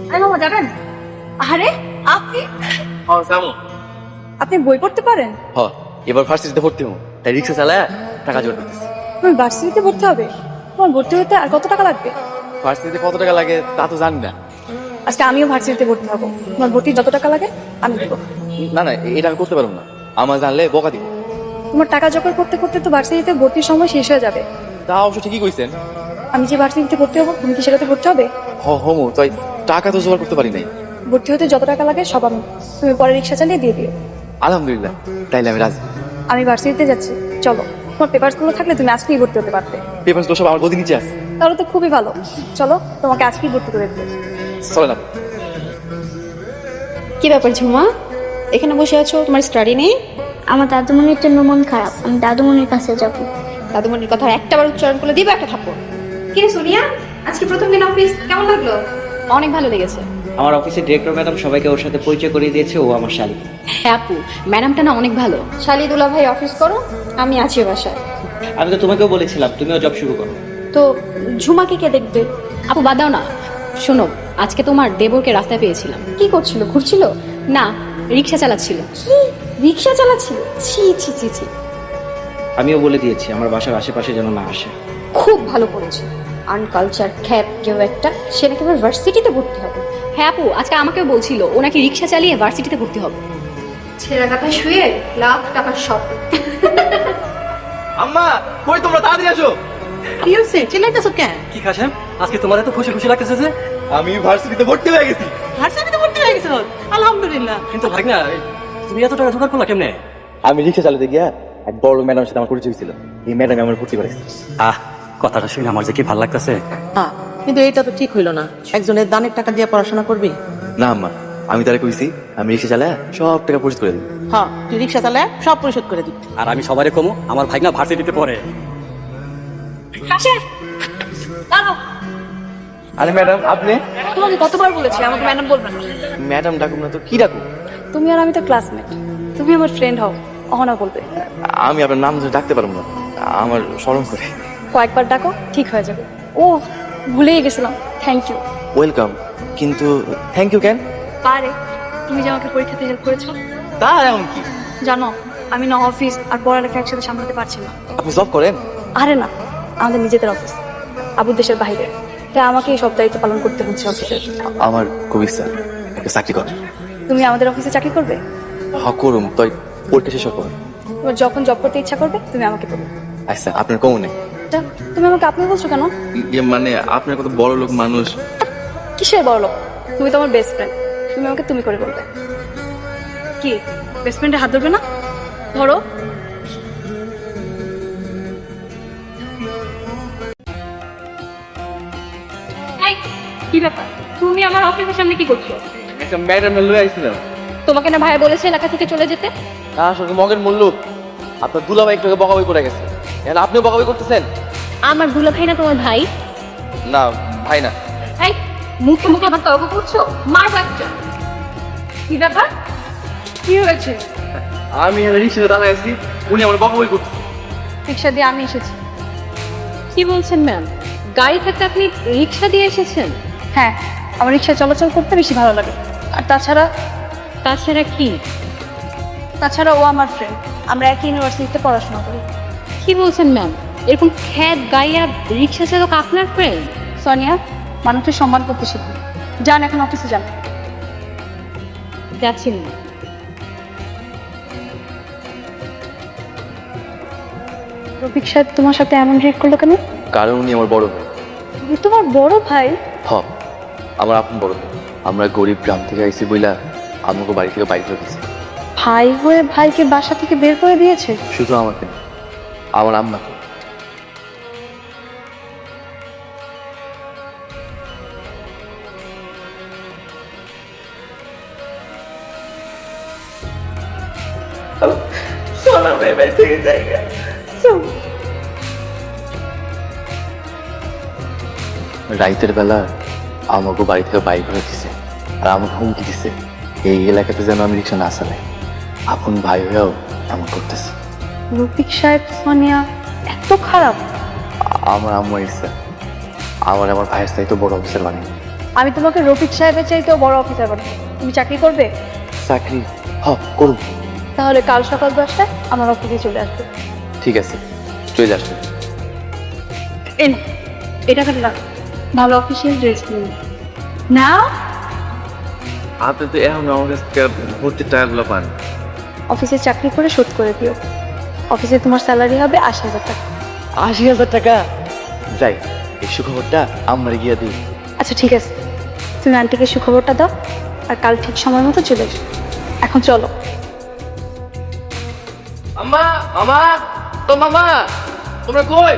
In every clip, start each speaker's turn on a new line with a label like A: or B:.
A: মামা যাবেন? আরে আপনি
B: হ্যাঁ যাবো।
A: আপনি বই পড়তে পারেন?
B: হ্যাঁ এবার ভার্সিটিতে ভর্তি হবো, তাই রিক্সা চালায় টাকা জোর দিতেছি।
A: তুমি ভার্সিটিতে ভর্তি হবে? তোমার ভর্তি হতে আর কত টাকা লাগবে?
B: ভার্সিটিতে কত টাকা লাগে তা তো জানি না।
A: আজকে আমিও ভার্সিটিতে ভর্তি হবো, তোমার ভর্তি যত টাকা লাগে আমি দেবো।
B: না না এটা আমি করতে পারবো না, আমার জানলে বকা দিব।
A: তোমার টাকা জোগাড় করতে করতে তো ভার্সিটিতে ভর্তির সময় শেষ হয়ে যাবে।
B: তা অবশ্য ঠিকই কইছেন।
A: আমি যে ভার্সিটিতে ভর্তি হবো তুমি কি সেটাতে ভর্তি হবে?
B: হমু তাই টাকা তো জোগাড় করতে পারি নাই।
A: ভর্তি হতে যত টাকা লাগে সব আমি, তুমি পরে রিক্সা চালিয়ে দিয়ে দিও।
B: আলহামদুলিল্লাহ, তাইলে আমি রাজি।
A: আমি ভার্সিটিতে যাচ্ছি, চলো। তোমার পেপারস গুলো থাকলে তুমি আজকেই ভর্তি হতে পারতে।
B: পেপার তো সব আমার গদি নিচে আছে।
A: তাহলে তো খুবই ভালো, চলো তোমাকে আজকেই ভর্তি করে দেবো।
B: চলে না।
C: কি ব্যাপার ঝুমা, এখানে বসে আছো, তোমার স্টাডি নেই?
D: আমার দাদুমণির জন্য মন খারাপ, আমি দাদুমণির কাছে যাব।
C: দাদুমণির কথা একটাবার উচ্চারণ করলে দিবে একটা থাপ্পড়। কি রে সোনিয়া, আজকে প্রথম দিন অফিস কেমন লাগলো? অনেক ভালো লেগেছে।
E: আমার অফিসের ডিরেক্টর ম্যাডাম সবাইকে ওর সাথে পরিচয় করিয়ে দিয়েছে, ও আমার শালী।
C: হ্যাঁ আপু, ম্যাডামটা না অনেক ভালো। শালি দুলা ভাই অফিস করো, আমি আছি বাসায়।
E: আমি তো তোমাকেও বলেছিলাম তুমিও জব শুরু করো।
C: তো ঝুমাকে কে দেখবে? আপু বাদ দাও না। শোনো, আজকে তোমার দেবরকে রাস্তায় পেয়েছিলাম। কি করছিল, ঘুরছিল? না, রিক্সা চালাচ্ছিল। কি রিক্সা চালাচ্ছিল? ছি ছি ছি ছি।
E: আমিও বলে দিয়েছি আমার বাসার আশেপাশে যেন না আসে।
C: খুব ভালো করেছে। আনকালচার খ্যাপ কেউ একটা, সে নাকি এবার ভার্সিটিতে ভর্তি হবে। হ্যাঁ আপু, আজকে আমাকেও বলছিল ও নাকি রিক্সা চালিয়ে ভার্সিটিতে ভর্তি হবে। ছেঁড়া কাঁথা শুয়ে লাখ টাকার স্বপ্ন।
B: আম্মা কই তোমরা, তাড়াতাড়ি আসো।
F: কি হচ্ছে, চিল্লাইতেছো কেন?
G: কি খাসেম, আজকে তোমার এত খুশি খুশি লাগতেছে যে?
B: আমি ভার্সিটিতে ভর্তি হয়ে গেছি।
F: ভার্সিটিতে ভর্তি হয়ে গেছো? আলহামদুলিল্লাহ।
G: কিন্তু ভাই না, তুমি এত টাকা জোগাড় করলা কেমনে?
B: আমি রিক্সা চালাতে গিয়া এক বড় ম্যাডামের সাথে আমার পরিচয় হয়েছিল, এই ম্যাডাম আমার ভর্তি করেছে।
G: আহ, কথাটা শুনে আমার যে কি ভালো লাগতেছে।
F: হ্যাঁ, কিন্তু এটা তো ঠিক হইলো না, একজনের দানের টাকা দিয়ে পড়াশোনা করবি।
B: না আম্মা, আমি তারা কইছি আমি রিক্সা চালায় সব টাকা পরিশোধ করে দিই।
F: হ্যাঁ, তুই রিক্সা চালায় সব পরিশোধ করে দিবি।
G: আর আমি সবারই কমু আমার ভাই না ভার্সিটিতে পড়ে।
B: আরে ম্যাডাম আপনি?
A: তোমাকে কতবার বলেছি আমাকে ম্যাডাম বলবেন না।
B: ম্যাডাম ডাকুন না তো কি ডাকুন?
A: তুমি আর আমি তো ক্লাসমেট, তুমি আমার ফ্রেন্ড হও, অহনা বলবে।
B: আমি আপনার নাম ধরে ডাকতে পারবো না, আমার শরম করে।
A: কয়েকবার ডাকো ঠিক হয়ে যাবে। ও ভুলেই গেছিলাম, থ্যাংক ইউ।
B: ওয়েলকাম, কিন্তু থ্যাংক ইউ কেন?
A: পারে, তুমি যে আমাকে পরীক্ষাতে হেল্প করেছো।
B: তা এমন কি?
A: জানো আমি না অফিস আর পড়ালেখা একসাথে সামলাতে পারছি না।
B: আপনি জব করেন?
A: আরে না, আমাদের নিজেদের অফিস, আবুর দেশের বাইরে, তাই আমাকে এই সব দায়িত্ব পালন করতে হচ্ছে অফিসের।
B: আমার খুব ইচ্ছা একটা চাকরি করেন।
A: তুমি আমাদের অফিসে চাকরি করবে?
B: হ করুম, তাই পরীক্ষা শেষ হওয়ার পর।
A: তোমার যখন জব করতে ইচ্ছা করবে তুমি আমাকে বলবে।
B: আচ্ছা আপনার কমু নেই?
A: তা, তুমি আমাকে আপনি বলছো কেন?
B: মানে আপনার কত বড় লোক মানুষ।
A: কিসের বড় লোক? তুমি তো আমার বেস্ট ফ্রেন্ড, তুমি আমাকে তুমি করে বলবে। কি বেস্ট ফ্রেন্ডে হাত ধরবে না? ধরো। কি ব্যাপার, তুমি আমার অফিসের সামনে কি করছো?
B: একটা ম্যাডাম লয়ে আইছিলাম।
C: তোমাকে না ভাই বলেছে এলাকা থেকে চলে যেতে?
B: আসলে মগের মূল্য আপনার দুলাভাই একটু আগে বকাবকি করে গেছে, এখন আপনিও বকাবকি করতেছেন?
C: আমার দুলা ভাই না তোমার ভাই?
B: না ভাই না।
C: এই মুখে মুখে আমার তর্ক করছো, মার বাচ্চা। কি ব্যাপার, কি হয়েছে?
B: আমি রিক্সাতে দাঁড়ায় আছি, উনি আমার বকাবকি করছে।
A: রিক্সা দিয়ে আমি এসেছি।
C: কি বলছেন ম্যাম, গাড়ি থাকতে আপনি রিক্সা দিয়ে এসেছেন?
A: হ্যাঁ, আমার রিক্সা চলাচল করতে বেশি ভালো লাগে। আর তাছাড়া
C: কি?
A: তাছাড়া ও আমার ফ্রেন্ড, আমরা একই ইউনিভার্সিটিতে পড়াশোনা করি।
C: কি বলছেন ম্যাম, এরকম খ্যাত গাইয়া রিক্সা চালক আপনার ফ্রেন্ড?
A: সোনিয়া, মানুষের সম্মান করতে শিখুন। যান এখন অফিসে যান।
C: যাচ্ছি না।
A: রফিক সাহেব তোমার সাথে এমন রিয়েক্ট করলো কেন?
B: কারণ উনি আমার বড় ভাই।
A: উনি তোমার বড় ভাই?
B: হ, আমার আপন বড় ভাই। আমরা গরিব গ্রাম থেকে আইছি বইলা আমাকে বাড়ি থেকে বাইরে করে দিয়েছে।
A: ভাই হয়ে ভাইকে বাসা থেকে বের করে দিয়েছে?
B: শুধু আমাকে না, আমার আম্মা। রাইতের বেলা আমাকে বাড়ি থেকে বাইক করে দিছে আর আমাকে হুমকি দিছে এই এলাকাতে যেন আমি রিক্সা না চালাই। আপন ভাই হয়েও এমন করতেছে।
A: রফিক সাহেব সোনিয়া এত খারাপ?
B: আমার আম্মা ইচ্ছা আমার ভাইয়ের চাইতে বড় অফিসার বানিয়ে।
A: আমি তোমাকে রফিক সাহেবের চাইতেও বড় অফিসার বানাবো। তুমি চাকরি করবে?
B: চাকরি করুন।
A: তাহলে কাল সকাল 10টায় আমার অফিসে চলে আসবে।
B: ঠিক আছে, চলে আসবেন।
A: এই নাও, এটা কাটলা ভালো অফিসিয়াল ড্রেস কিনুন না।
B: আপনি তো এখন আমার কাছ থেকে ভর্তির টাকাগুলো পান।
A: অফিসে চাকরি করে শোধ করে দিও। অফিসে তোমার স্যালারি হবে 80,000 টাকা।
B: 80,000 টাকা? যাই, এই সুখবরটা আমরা গিয়ে দিই।
A: আচ্ছা ঠিক আছে, তুমি আন্টিকে সুখবরটা দাও আর কাল ঠিক সময় মতো চলে এসো। এখন চলো।
B: মামা, মামা, তো মামা তোমরা কই?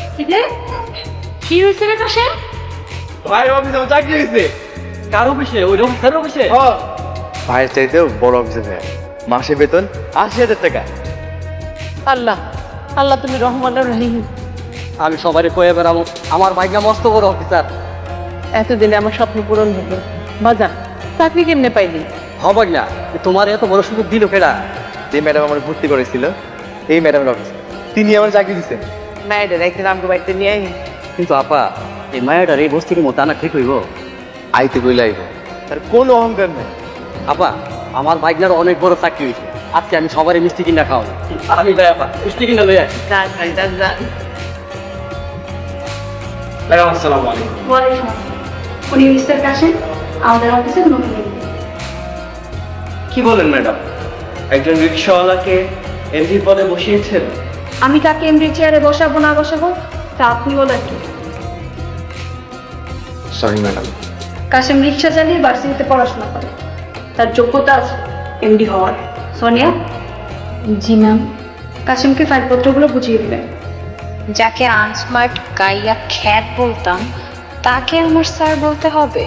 A: কি হয়েছে রে কাশে?
B: ভাই অফিসে আমার চাকরি হয়েছে।
G: কার অফিসে? ওই রফিক স্যারের অফিসে?
B: ভাইয়ের চাইতেও বড় অফিসে ভাই, মাসে বেতন 80,000 টাকা।
F: আল্লাহ আল্লাহ তুমি রহমান রহিম।
G: আমি সবারই কয়ে বেড়াবো আমার ভাইগনা মস্ত বড় অফিসার।
F: এতদিনে আমার স্বপ্ন পূরণ হলো। বাজান চাকরি কেমনে পাইলি?
G: হবাক না, তোমার এত বড় সুযোগ দিল কেডা?
B: যে ম্যাডাম আমার ভর্তি করেছিল এই ম্যাডামের অফিস, তিনি আমার চাকরি দিচ্ছেন।
F: মায়েদের একদিন আমাকে বাড়িতে নিয়ে আই।
G: কিন্তু আপা, এই মায়াটার এই বস্তির মতো আনা ঠিক হইব?
B: আইতে কইলে আইব, তার কোনো অহংকার নেই।
G: আপা, আমার ভাইগনার অনেক বড় চাকরি হয়েছে। আজকে আমি সবারই মিষ্টি কিনা খাওয়াবো। আমি যাই আপা, মিষ্টি কিনা লই আসি।
F: যান ভাই যান যান।
G: ম্যাডাম আসসালামু আলাইকুম।
A: ওয়ালাইকুম আসসালাম। উনি মিস্টার কাশেম, আমাদের অফিসের নতুন এমডি।
E: কি বলেন ম্যাডাম, একজন রিক্সাওয়ালাকে এমডি পদে বসিয়েছেন?
A: আমি কাকে এমডি চেয়ারে বসাবো না বসাবো তা আপনি বলেন কি?
B: Sorry madam.
A: কাশেম রিক্সা চালিয়ে ভার্সিটিতে পড়াশোনা করে, তার যোগ্যতা আছে এমডি হওয়ার। সোনিয়া।
C: জি ম্যাম।
A: কাশেমকে ফাইলপত্রগুলো বুঝিয়ে দিবেন।
C: যাকে আনস্মার্ট গাইয়া খ্যাত বলতাম তাকে আমার স্যার বলতে হবে?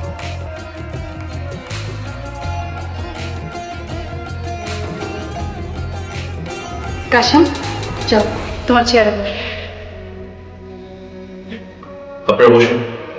A: কাশেম চল তোমার চেয়ারে বস।
B: আপনারা বসুন।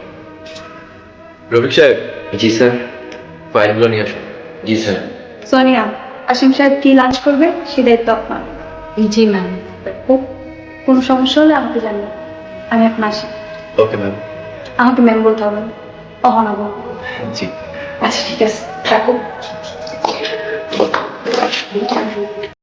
B: রফিক সাহেব। জি স্যার। ফাইলগুলো নিয়ে আসুন। জি স্যার।
A: সোনিয়া, কাশেম সাহেব কি লাঞ্চ করবে সে দায়িত্ব আপনার।
C: জি ম্যাম।
A: কোনো সমস্যা হলে আমাকে জানিয়ে। আমি এখন আসি।
B: Okay ma'am.
A: আমাকে ম্যাম বলতে হবে না, অহনা বলবো।
B: জি।
A: আচ্ছা ঠিক আছে, থাকো।